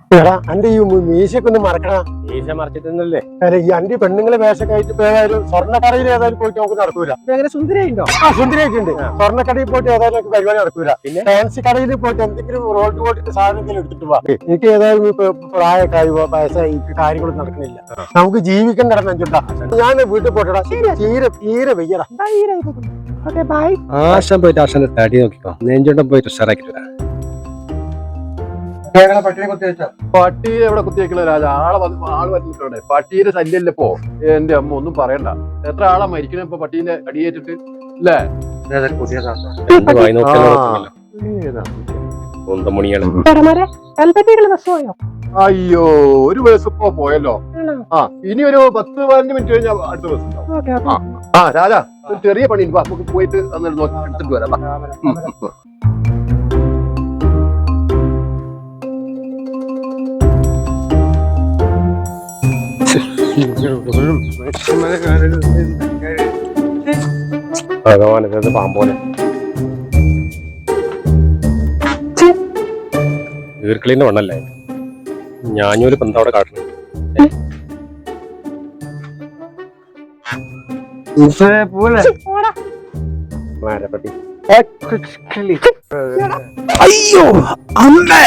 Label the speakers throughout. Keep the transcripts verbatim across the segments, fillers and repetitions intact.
Speaker 1: എടാ അന്റെ ഈ മീശയൊക്കെ ഒന്ന് മറക്കണ.
Speaker 2: മീശ മറച്ചിട്ടല്ലേ
Speaker 1: അല്ല ഈ അന്റെ പെണ്ണുങ്ങളെ വേഷമൊക്കെ ആയിട്ട് ഇപ്പൊ ഏതായാലും സ്വർണ്ണക്കടയിൽ ഏതായാലും പോയിട്ട് നമുക്ക് നടക്കൂല.
Speaker 2: അങ്ങനെ സുന്ദരിയുണ്ടോ?
Speaker 1: ആ സുന്ദരിയൊക്കെ ഉണ്ട്. സ്വർണ്ണക്കടയിൽ പോയിട്ട് ഏതായാലും നമുക്ക് പരിപാടി നടക്കൂല. പിന്നെ ഫാൻസി കടയിൽ പോയിട്ട് എന്തെങ്കിലും റോഡ് പോയിട്ട് സാധനം എന്തെങ്കിലും എടുത്തിട്ട് പോവാ. എനിക്ക് ഏതായാലും ഇപ്പൊ പ്രായമൊക്കെ ആയി വയസ്സായി കാര്യങ്ങളൊന്നും നടക്കണില്ല. നമുക്ക് ജീവിക്കാൻ നടന്നുണ്ടാ. ഞാൻ വീട്ടിൽ പോയിട്ടാ തീരെ തീരെ വെയ്യടാ.
Speaker 2: ആശാൻ പോയിട്ട് ആശാന്റെ തടി നോക്കിക്കോ. നെഞ്ചോട്ടം പോയിട്ട് ഉഷാറാക്കി വരാം.
Speaker 3: പട്ടി എവിടെ കുത്തിവെക്കണ രാജ? ആളെ ആള് വന്നിട്ടുണ്ട്. പട്ടീന്റെ ശല്യല്ലേ ഇപ്പോ? എന്റെ അമ്മ ഒന്നും പറയണ്ട. എത്ര ആളാ മരിക്കണ ഇപ്പൊ പട്ടീന്റെ അടിയേറ്റിട്ട് അല്ലേ? അയ്യോ ഒരു ബസ് ഇപ്പൊ പോയല്ലോ. ആ ഇനി ഒരു പത്ത് പതിനഞ്ച് മിനിറ്റ് കഴിഞ്ഞാൽ അടുത്ത ബസ് ഉണ്ടാവും. ആ രാജ ഒരു ചെറിയ പണി നമുക്ക് പോയിട്ട് എടുത്തിട്ട് വരാം.
Speaker 2: ഭഗവാൻ പാമ്പോനെ ഈർക്കിളിന്റെ മണ്ണല്ലേ? ഞാനൊരു പന്തവിടെ കാട്ടണം.
Speaker 1: അയ്യോ അമ്മേ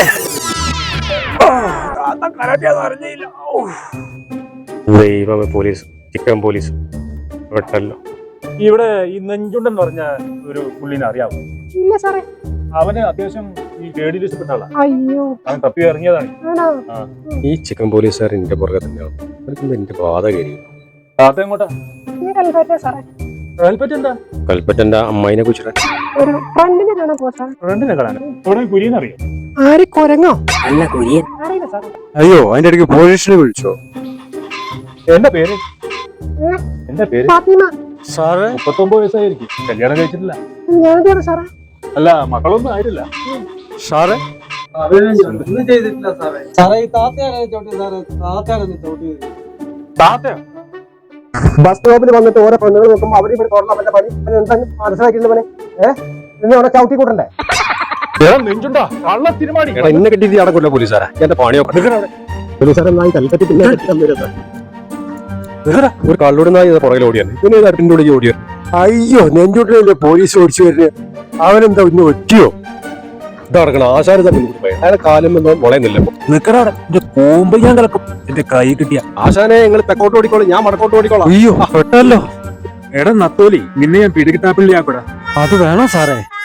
Speaker 2: ദൈവമേ, പോലീസ്, ചിക്കൻ പോലീസ് വെട്ടല്ലോ.
Speaker 4: ഇവിടെ ഈ നെഞ്ചുണ്ടെന്ന് പറഞ്ഞ ഒരു പുള്ളിനെ അറിയാമോ?
Speaker 5: ഇല്ല സാറേ.
Speaker 4: അവന് അത്യാവശ്യം ഈ കേടിൽ ഇഷ്ടപ്പെട്ട ആളാ.
Speaker 5: അയ്യോ,
Speaker 4: അവൻ തപ്പി ഇറങ്ങിയതാണ്.
Speaker 2: ഈ ചിക്കൻ പോലീസുകാർ എന്റെ പുറകെ തന്നെയാണ്. അവർക്കെന്താ എന്റെ ബാധ കയറി?
Speaker 4: താത്ത എങ്ങോട്ടാ?
Speaker 5: സാറേ
Speaker 4: കൽപ്പറ്റ എന്താ?
Speaker 2: കൽപ്പറ്റന്റെ അമ്മായിനെ കുറിച്ചിട്ട്
Speaker 5: ഒരു ഫ്രണ്ടിനെ കാണാൻ പോ സാർ.
Speaker 4: ഫ്രണ്ടിനെ കാണാൻ ഇവിടെ കുര്യൻ അറിയാം?
Speaker 5: ആര് കൊരങ്ങോ?
Speaker 1: അല്ല കുര്യൻ.
Speaker 5: അറിയില്ല സാറേ.
Speaker 2: അയ്യോ, അതിന്റെ ഇടയ്ക്ക് പോലീസിനെ വിളിച്ചോ?
Speaker 4: എന്റെ പേര് എന്റെ പേര്
Speaker 5: ഫാത്തിമ.
Speaker 4: സാറ് മുപ്പത്തൊമ്പത് വയസ്സായിരിക്കും. കല്യാണം കഴിച്ചിട്ടില്ല.
Speaker 5: ഞാനെന്താണ് സാറേ?
Speaker 4: അല്ല മക്കളൊന്നും ആയിട്ടില്ല.
Speaker 2: സാറ്
Speaker 6: ഒന്നും ചെയ്തിട്ടില്ല സാറേ. സാറേ ഈ താത്തയാണ് ചോട്ടി സാറേ. താത്തയാണ് ചോട്ടി.
Speaker 4: താത്തയോ?
Speaker 1: ബസ് സ്റ്റോപ്പിൽ വന്നിട്ട് ഓരോ പെണ്ണുകൾ നോക്കുമ്പോ അവര് ഇവിടെ തുറന്ന അവന്റെ പണി എന്താ മനസ്സിലാക്കിയിട്ടുണ്ട് പണി? ഏഹ് നിന്നെ അവിടെ ചവിട്ടി കൂട്ടണ്ടേ?
Speaker 4: നെഞ്ചുണ്ടോ കള്ള തിരുമാടി?
Speaker 2: എന്നെ കെട്ടി അടക്കില്ല പോലീസുകാരാ. എന്റെ പണിയോ
Speaker 1: പോലീസുകാരനായി കൽപ്പറ്റി പിന്നെ
Speaker 2: ഒരു കള്ളോട് നായി പുറകിൽ ഓടിയാണ്. പിന്നെ തട്ടിന്റെ ഉള്ളിൽ ഓടിയാണ്.
Speaker 1: അയ്യോ നെഞ്ചോട്ടിലെ പോലീസ് ഓടിച്ചു വരുന്നത്. അവനെന്താ ഇന്ന് ഒറ്റിയോ?
Speaker 2: ഇതടക്കണം ആശാര തമ്മിൽ പോയി. അയാളെ കാലം എന്തോ മുളയുന്നില്ല.
Speaker 1: നിക്കറാടെ എന്റെ കൂമ്പ് ഞാൻ കിടക്കും. എന്റെ കൈ കിട്ടിയ
Speaker 2: ആശാനെ നിങ്ങൾ തെക്കോട്ട് ഓടിക്കോളൂ, ഞാൻ വടക്കോട്ട് ഓടിക്കോളാം.
Speaker 1: അയ്യോ പെട്ടല്ലോ.
Speaker 4: എടാ നത്തോലി, നിന്നെ ഞാൻ പിടികിട്ടാപ്പിള്ളിയാക്കൂടാ.
Speaker 1: അത് വേണോ സാറേ?